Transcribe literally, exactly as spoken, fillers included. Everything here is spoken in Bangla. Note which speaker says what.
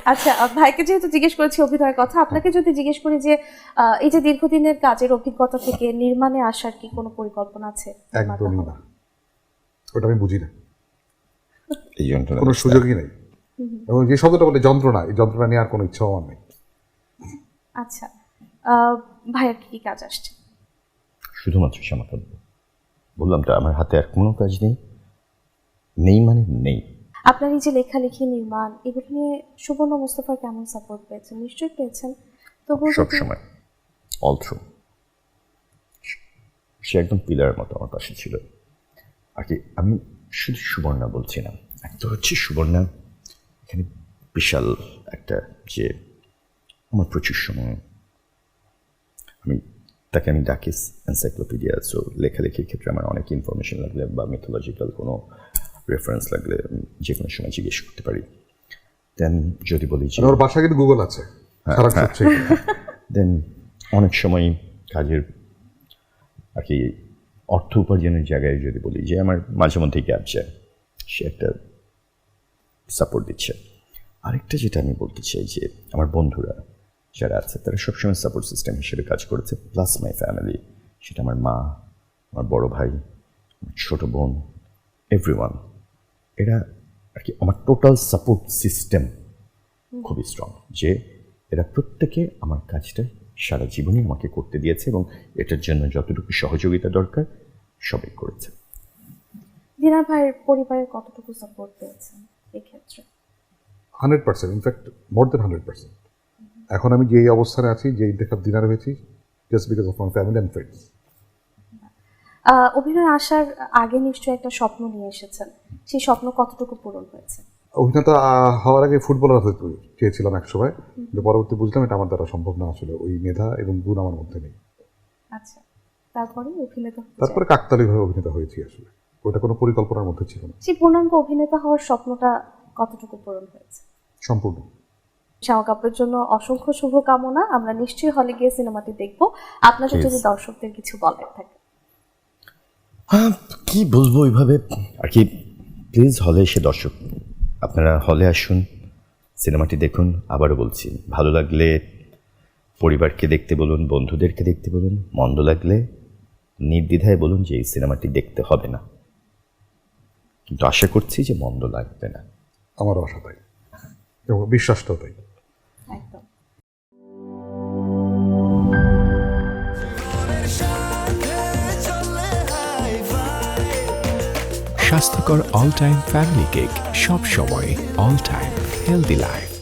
Speaker 1: আচ্ছা, ভাইকে যেহেতু জিজ্ঞেস করেছি অভিনয়ের কথা, আপনাকে যদি জিজ্ঞেস করি যে আহ, এই যে দীর্ঘদিনের কাজের অভিজ্ঞতা থেকে নির্মাণে আসার কি কোনো পরিকল্পনা আছে?
Speaker 2: একদমই না, ওটা আমি বুঝি না,
Speaker 3: এই যন্ত্রণা
Speaker 2: কোনো সুযোগই নেই। এবং যে শব্দটা বলে যন্ত্রণা, এই যন্ত্রণা নিয়ে আর কোনো ইচ্ছাও আমার নেই।
Speaker 1: আচ্ছা, আহ, ভাইয়ের কি কি কাজ আসছে?
Speaker 3: শুধুমাত্র শ্যামাকাব্য। বললাম তো আমার হাতে আর কোনো কাজ নেই, নেই মানে নেই।
Speaker 1: আপনার এই যে লেখালেখি, নির্মাণ, এগুলো নিয়ে সুবর্ণ মোস্তফার কেমন সাপোর্ট পেয়েছেন? নিশ্চয়ই পেয়েছেন। তবুও
Speaker 3: সব
Speaker 1: যদি-
Speaker 3: সময় অল থ্রু সে একদম পিলারের মতো আমার পাশে ছিল। আর কি আমি শুধু সুবর্ণা বলছি না, একটা হচ্ছে সুবর্ণা এখানে বিশাল একটা, যে আমার প্রচুর সময় আমি তাকে আমি ডাকি এনসাইক্লোপিডিয়া। সো লেখালেখির ক্ষেত্রে আমার অনেক ইনফরমেশন লাগলে বা মিথোলজিক্যাল কোনো রেফারেন্স লাগলে আমি যে কোনো সময় জিজ্ঞেস করতে পারি। দেন যদি বলি যে
Speaker 2: ওর বাসা কিন্তু গুগল আছে, সারা হচ্ছে।
Speaker 3: দেন অনেক সময় কাজের আর কি অর্থ উপার্জনের জায়গায় যদি বলি যে আমার মাঝে মধ্যে গ্যাপ যায়, সে একটা সাপোর্ট দিচ্ছে। আরেকটা যেটা আমি বলতে চাই যে আমার বন্ধুরা যারা আছে তারা সবসময় সাপোর্ট সিস্টেম হিসেবে কাজ করেছে, প্লাস মাই ফ্যামিলি, সেটা আমার মা, আমার বড় ভাই, আমার ছোটো বোন, এভরিওয়ান, এরা আর কি আমার টোটাল সাপোর্ট সিস্টেম খুবই স্ট্রং, যে এরা প্রত্যেকে আমার কাজটা সারা জীবনই আমাকে করতে দিয়েছে এবং এটার জন্য যতটুকু সহযোগিতা দরকার সবই করেছে।
Speaker 1: দিনার ভাইয়ের পরিবারের কতটুকু সাপোর্ট পেয়েছেন এক্ষেত্রে?
Speaker 2: Hundred percent, in fact more than hundred percent. এখন আমি যেই অবস্থানে আছি, যে ইন্তেখাব দিনার হয়েছি, just because of my family and friends.
Speaker 1: অভিনয় আসার আগে নিশ্চয়ই একটা স্বপ্ন নিয়ে এসেছেন, সেই স্বপ্ন কতটুকু পূরণ হয়েছে?
Speaker 2: অভিনেতা হওয়ার আগে ফুটবলার হতে চেয়েছিলাম এক সময়, কিন্তু পরবর্তী বুঝলাম এটা আমার দ্বারা সম্ভব না, আসলে ওই মেধা এবং গুণ আমার মধ্যে নেই।
Speaker 1: আচ্ছা, তারপরে অভিনেতা হতে
Speaker 2: তারপরে কাকতালীয়ভাবে অভিনেতা হয়েছি, আসলে ওটা কোনো পরিকল্পনার মধ্যে ছিল না।
Speaker 1: সেই পূর্ণাঙ্গ অভিনেতা হওয়ার স্বপ্নটা কতটুকু পূরণ হয়েছে?
Speaker 2: সম্পূর্ণ।
Speaker 1: শ্যামা কাপুরের জন্য অসংখ্য শুভকামনা। আমরা নিশ্চয়ই হলে গিয়ে সিনেমাটি দেখব। আপনাদের যদি দর্শকদের কিছু বলার থাকে।
Speaker 3: হ্যাঁ, কি বলবো ওইভাবে আর কি, প্লিজ হলে এসে দর্শক আপনারা হলে আসুন, সিনেমাটি দেখুন। আবারও বলছি, ভালো লাগলে পরিবারকে দেখতে বলুন, বন্ধুদেরকে দেখতে বলুন, মন্দ লাগলে নির্দ্বিধায় বলুন যে এই সিনেমাটি দেখতে হবে না, কিন্তু আশা করছি যে মন্দ লাগবে না।
Speaker 2: আমারও আশা তাই এবং বিশ্বাসটাও তাই।
Speaker 1: একদম।
Speaker 4: স্বাস্থ্যকর অল টাইম ফ্যামিলি কেক, সব সময় অল টাইম হেলদি লাইফ।